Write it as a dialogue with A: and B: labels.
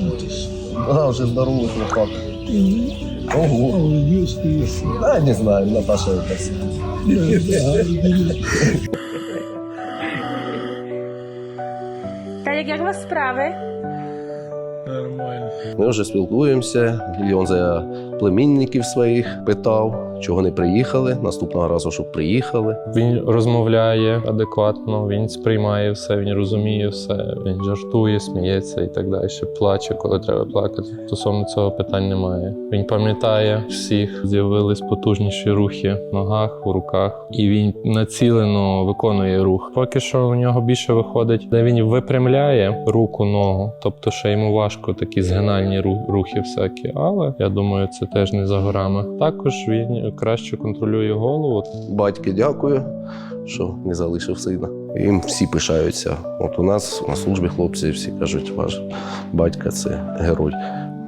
A: Да, вже здоровий хлопак. Ого. Да, не знаю, Наташа якась.
B: Та як у вас справи?
A: Ми вже спілкуємося. Він за племінників своїх питав, чого не приїхали. Наступного разу, щоб приїхали.
C: Він розмовляє адекватно, він сприймає все, він розуміє все, він жартує, сміється і так далі. Плаче, коли треба плакати. Стосовно цього питань немає. Він пам'ятає всіх, з'явились потужніші рухи в ногах, у руках, і він націлено виконує рух. Поки що у нього більше виходить, де він випрямляє руку, ногу, тобто ще йому важко такі згинальні рухи всякі, але я думаю, це теж не за горами. Також він краще контролює голову.
A: Батьки дякую, що не залишив сина. Їм всі пишаються. От у нас на службі хлопці всі кажуть, ваш батько – це герой.